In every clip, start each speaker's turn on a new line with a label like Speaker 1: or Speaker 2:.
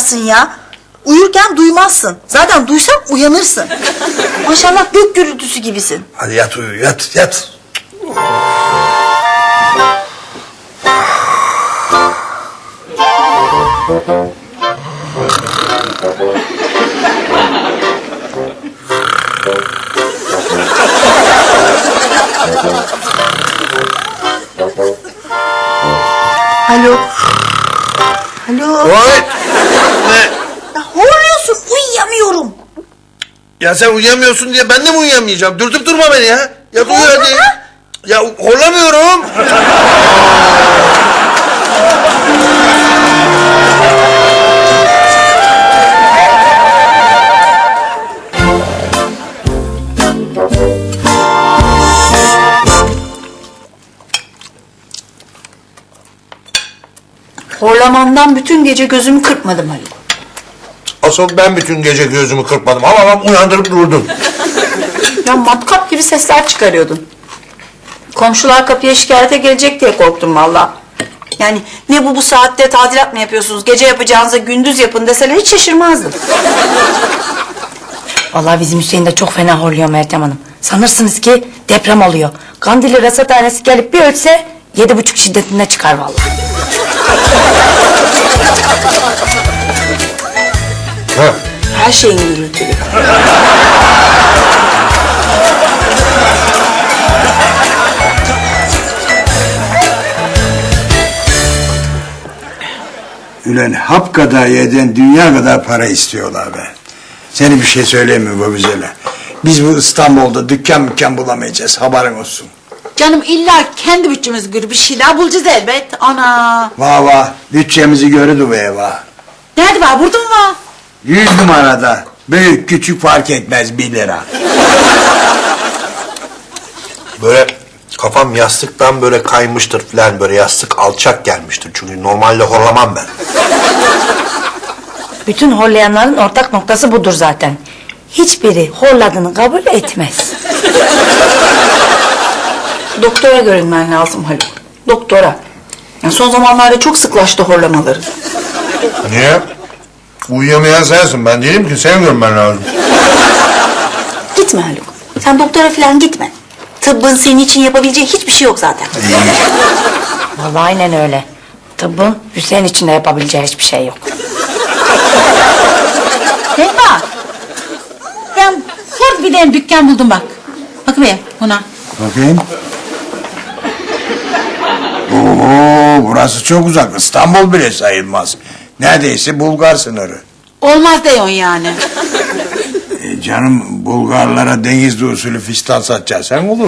Speaker 1: duyarsın ya? Uyurken duymazsın. Zaten duysan uyanırsın. Maşallah gök gürültüsü gibisin.
Speaker 2: Hadi yat uyu, yat, yat.
Speaker 1: Alo. Alo.
Speaker 2: Oy! Ne?
Speaker 1: Ya horluyorsun, uyuyamıyorum.
Speaker 2: Ya sen uyuyamıyorsun diye ben de mi uyuyamayacağım? Dürtüp durma beni ya. Yat uyu hadi. Ya horlamıyorum.
Speaker 1: Horlamandan bütün gece gözümü kırpmadım Haluk.
Speaker 2: Asıl ben bütün gece gözümü kırpmadım ama ben uyandırıp durdun.
Speaker 1: Ya matkap gibi sesler çıkarıyordun. Komşular kapıya şikayete gelecek diye korktum valla. Yani ne bu saatte tadilat mı yapıyorsunuz? Gece yapacağınıza gündüz yapın deseler hiç şaşırmazdım.
Speaker 3: Vallahi bizim Hüseyin de çok fena horluyor Meltem Hanım. Sanırsınız ki deprem oluyor. Kandilli rasathanesi gelip bir ölçse 7,5 şiddetinde çıkar vallahi.
Speaker 2: Ha.
Speaker 1: Her şeyin gürültülü.
Speaker 4: Ulan hap kadar yeden dünya kadar para istiyorlar be. Seni bir şey söyleyeyim mi bu güzele? Biz bu İstanbul'da dükkan bulamayacağız, haberin olsun.
Speaker 5: Canım illa kendi bütçemize göre bir şeyler bulacağız elbet. Ana.
Speaker 4: Vah bütçemizi görürdü be vah.
Speaker 5: Nerede var? Burada mı var?
Speaker 4: 100 numarada. Büyük küçük fark etmez 1 lira.
Speaker 2: Böyle kafam yastıktan böyle kaymıştır falan, böyle yastık alçak gelmiştir. Çünkü normalde horlamam ben.
Speaker 3: Bütün horlayanların ortak noktası budur zaten. Hiçbiri horladığını kabul etmez.
Speaker 1: Doktora görünmen lazım Haluk. Doktora. Ya son zamanlarda çok sıklaştı horlamaları.
Speaker 2: Niye? Uyuyamayan sensin, ben değilim ki, sen görmen lazım.
Speaker 1: Gitme Haluk. Sen doktora falan gitme. Tıbbın senin için yapabileceği hiçbir şey yok zaten.
Speaker 3: Vallahi aynen öyle. Tıbbın Hüseyin için de yapabileceği hiçbir şey yok.
Speaker 5: Selma. Ben hor bir tane dükkan buldum bak. Bak be ona.
Speaker 4: Bakayım. Oo, burası çok uzak. İstanbul bile sayılmaz. Neredeyse Bulgar sınırı.
Speaker 5: Olmaz diyorsun yani.
Speaker 4: Canım Bulgarlara denizli usulü fistan satacaksan olur.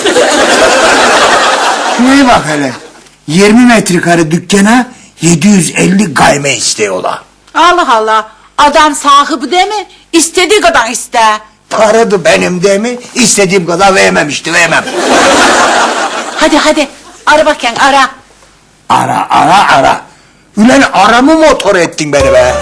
Speaker 4: Şuraya bak hele. 20 metrekare dükkana 750 gayme istiyorlar.
Speaker 5: Allah Allah. Adam sahibi değil mi? İstediği kadar iste.
Speaker 4: Paradı benim değil mi? İstediğim kadar vermem işte, vermem.
Speaker 5: Hadi. Ara bakayım ara.
Speaker 4: Ara. Ulan aramı motor ettin beni be.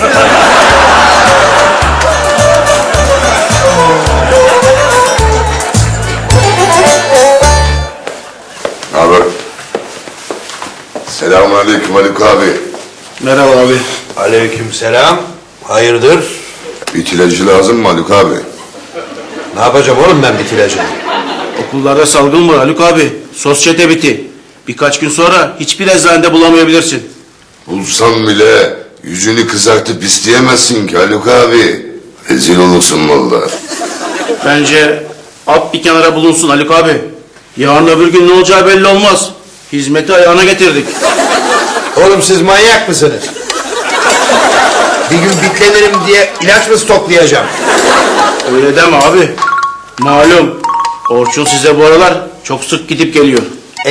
Speaker 6: Abi. Selamünaleyküm Haluk abi.
Speaker 2: Merhaba abi. Aleykümselam. Hayırdır?
Speaker 6: İtilacı lazım mı Haluk abi?
Speaker 2: Ne yapacağım oğlum ben bitilacını?
Speaker 7: Okullarda salgın var Haluk abi. Sosyete biti. Birkaç gün sonra hiçbir eczanede bulamayabilirsin.
Speaker 6: Bulsam bile yüzünü kızartıp isteyemezsin ki Haluk abi. Rezil olursun vallahi.
Speaker 7: Bence at bir kenara bulunsun Haluk abi. Yarın öbür gün ne olacağı belli olmaz. Hizmeti ayağına getirdik.
Speaker 2: Oğlum siz manyak mısınız? Bir gün bitlenirim diye ilaç mı stoklayacağım?
Speaker 7: Öyle deme abi. Malum Orçun size bu aralar çok sık gidip geliyor.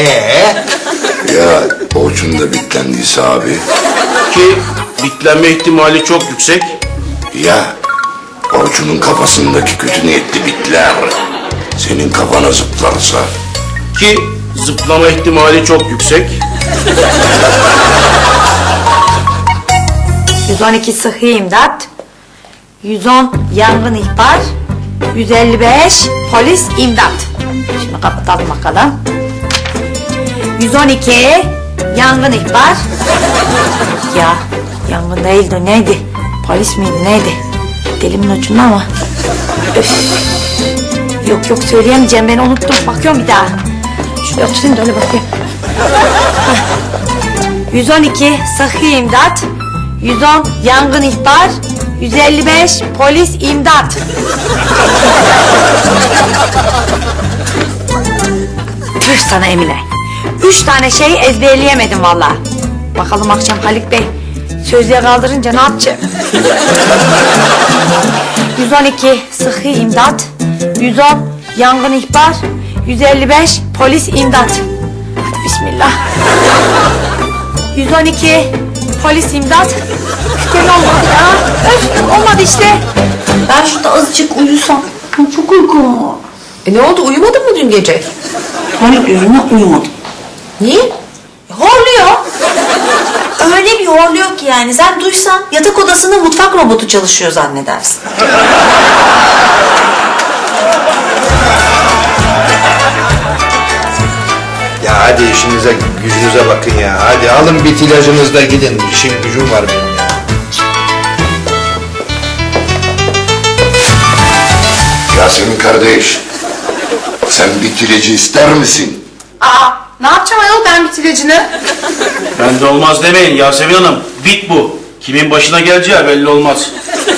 Speaker 6: Ya Orçun da bitlendiyse abi.
Speaker 7: Ki bitlenme ihtimali çok yüksek.
Speaker 6: Ya Orçun'un kafasındaki kötü niyetli bitler senin kafana zıplarsa.
Speaker 7: Ki zıplama ihtimali çok yüksek.
Speaker 3: 112 sıhhi imdat, 110 yangın ihbar, 155 polis imdat. Şimdi kapatalım bakalım. 112 yangın ihbar. Ya yangın değildi, neydi? Polis miydi neydi? Dilimin ucunda ama. Öf. Yok söyleyemeyeceğim, ben unuttum. Bakıyorum bir daha. Şuraya oturayım da öyle bakayım. Heh. 112 sıhhi imdat, 110 yangın ihbar, 155 polis imdat. Tüh sana Emine. 3 tane şeyi ezberleyemedim vallahi. Bakalım akşam Haluk Bey sözlüğe kaldırınca ne yapacağım? 112 sıhhi imdat, 110 yangın ihbar, 155 polis imdat. Hadi bismillah. 112 polis imdat. Gene olmadı ya. Öf, olmadı işte.
Speaker 1: Ben şurada azıcık uyusam. Çok uykum var.
Speaker 8: Ne oldu, uyumadın mı dün gece?
Speaker 1: Haluk yüzünden uyumadım.
Speaker 8: Niye?
Speaker 1: Horluyor. Öyle bir horluyor ki yani. Sen duysan yatak odasında mutfak robotu çalışıyor zannedersin.
Speaker 2: Ya hadi işinize gücünüze bakın ya. Hadi alın bit ilacınızı da gidin. İşim gücüm var benim ya.
Speaker 6: Yasemin kardeş, sen bitirici ister misin?
Speaker 8: Aa, ne yapacağım ayol ben bitiricini?
Speaker 7: Ben de olmaz demeyin Yasemin Hanım. Bit bu. Kimin başına geleceği belli olmaz.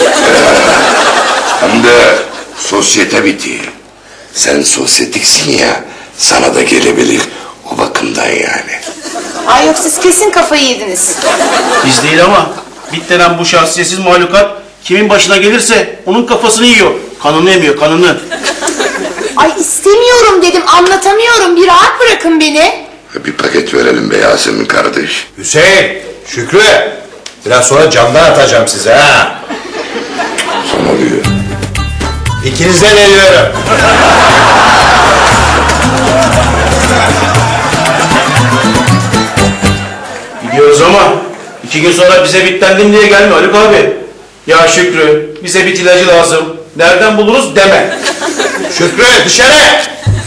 Speaker 6: Hem de sosyete biti. Sen sosyetiksin ya, sana da gelebilir o bakımdan yani.
Speaker 8: Ay yok siz kesin kafayı yediniz.
Speaker 7: Biz değil ama bit denen bu şahsiyetsiz mahlukat kimin başına gelirse onun kafasını yiyor. Kanını yemiyor, kanını.
Speaker 8: Ay istemiyorum dedim anlatamıyorum bir rahat bırakın beni.
Speaker 6: Bir paket verelim be Yasemin kardeş.
Speaker 2: Hüseyin, Şükrü. Biraz sonra camdan atacağım size ha.
Speaker 6: Sana diyor.
Speaker 2: İkinizden eliyorum.
Speaker 7: Gidiyoruz ama 2 gün sonra bize bitlendim diye gelme Haluk abi. Ya Şükrü, bize bit ilacı lazım. Nereden buluruz deme.
Speaker 2: Şükrü dışarı.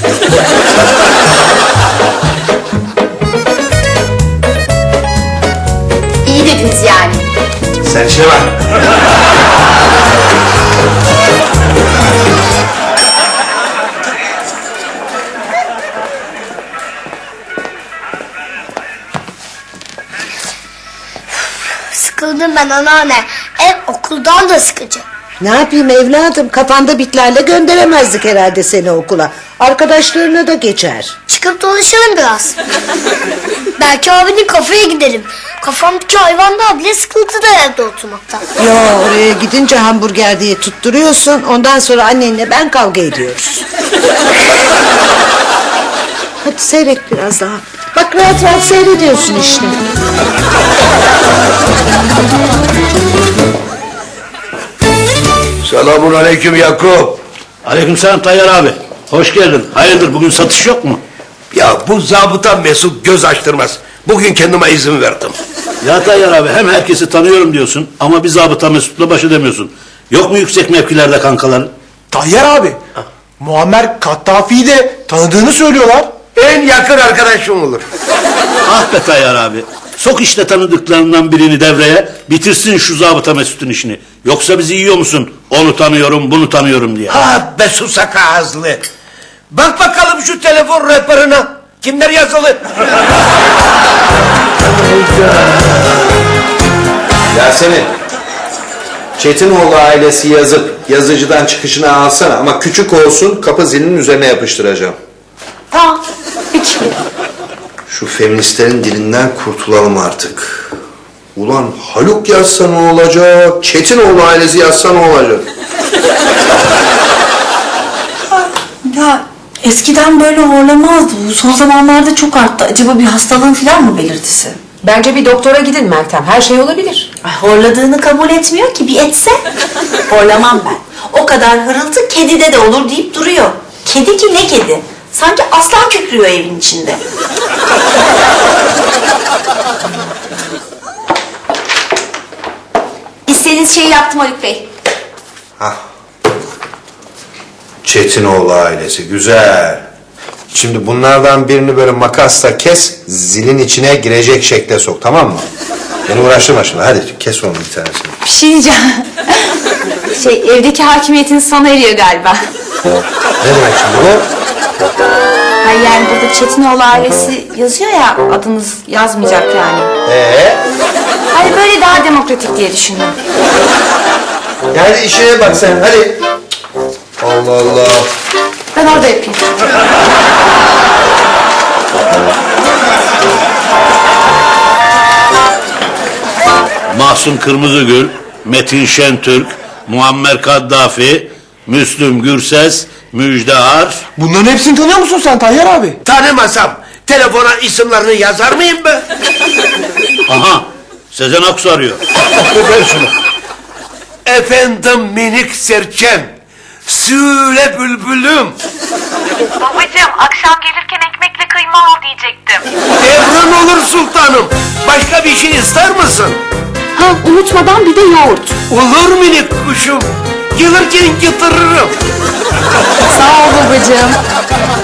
Speaker 8: İyi dediniz yani.
Speaker 2: Sen işine bak.
Speaker 9: Sıkıldım ben anneanne. Ev okuldan da sıkıcı.
Speaker 10: Ne yapayım evladım? Kafanda bitlerle gönderemezdik herhalde seni okula. Arkadaşlarına da geçer.
Speaker 9: Çıkıp dolaşalım biraz. Belki abinin kafeye gidelim. Kafamdaki hayvandan bile sıkıntıda evde oturmaktan.
Speaker 10: Ya oraya gidince hamburger diye tutturuyorsun. Ondan sonra annenle ben kavga ediyoruz. Hadi seyret biraz daha. Bak rahat rahat seyrediyorsun işte.
Speaker 2: Selamun aleyküm Yakup.
Speaker 11: Aleykümselam Tayyar abi. Hoş geldin. Hayırdır bugün satış yok mu?
Speaker 2: Ya bu zabıta Mesut göz açtırmaz. Bugün kendime izin verdim.
Speaker 11: Ya Tayyar abi hem herkesi tanıyorum diyorsun ama bir zabıta Mesut'la baş edemiyorsun. Yok mu yüksek mevkilerde kankaların?
Speaker 12: Tayyar abi, Muammer Kattafi'yi de tanıdığını söylüyorlar.
Speaker 2: En yakın arkadaşım olur.
Speaker 11: Ah be Tayyar abi. Sok işte tanıdıklarından birini devreye, bitirsin şu zabıta Mesut'un işini. Yoksa bizi yiyor musun? Onu tanıyorum, bunu tanıyorum diye.
Speaker 2: Ha be susak ağızlı. Bak bakalım şu telefon rehberine. Kimler yazılı? Yasemin. Çetinoğlu ailesi yazıp yazıcıdan çıkışını alsana ama küçük olsun, kapı zilinin üzerine yapıştıracağım.
Speaker 1: Tamam. Peki.
Speaker 2: Şu feministlerin dilinden kurtulalım artık. Ulan Haluk yazsa ne olacak? Çetinoğlu ailesi yazsa ne olacak?
Speaker 1: Ya eskiden böyle horlamazdı. Bu son zamanlarda çok arttı. Acaba bir hastalığın falan mı belirtisi?
Speaker 8: Bence bir doktora gidin Meltem her şey olabilir.
Speaker 1: Ay, horladığını kabul etmiyor ki, bir etse. Horlamam ben. O kadar hırıltı kedide de olur deyip duruyor. Kedi ki ne kedi? Sanki aslan kükrüyor evin içinde. İstediğiniz şeyi yaptım Haluk Bey.
Speaker 2: Hah. Çetinoğlu ailesi güzel. Şimdi bunlardan birini böyle makasla kes, zilin içine girecek şekle sok, tamam mı? Beni uğraştırma şimdi, hadi kes onu bir tanesini.
Speaker 3: Bir şey diyeceğim. Evdeki hakimiyetin sana eriyor galiba.
Speaker 2: Ne demek şimdi bu?
Speaker 3: Hayır yani burada Çetinoğlu ailesi yazıyor ya, adınız yazmayacak yani. Hayır böyle daha demokratik diye düşündüm.
Speaker 2: Yani işine bak sen hadi. Allah Allah.
Speaker 3: Ben orada yapayım.
Speaker 11: Mahsun Kırmızıgül, Metin Şentürk, Muammer Kaddafi, Müslüm Gürses, Müjde Ar.
Speaker 12: Bunların hepsini tanıyor musun sen Tayyar abi?
Speaker 6: Tanımasam telefona isimlerini yazar mıyım ben?
Speaker 11: Aha, Sezen Aksu arıyor.
Speaker 6: Ver şunu. Efendim minik serçem. Söyle bülbülüm.
Speaker 13: Babacığım akşam gelirken ekmekle kıyma al diyecektim.
Speaker 6: Emrin olur sultanım. Başka bir şey ister misin?
Speaker 3: Ha unutmadan bir de yoğurt.
Speaker 6: Olur minik kuşum. Gelirken getiririm.
Speaker 3: Sağ ol babacığım.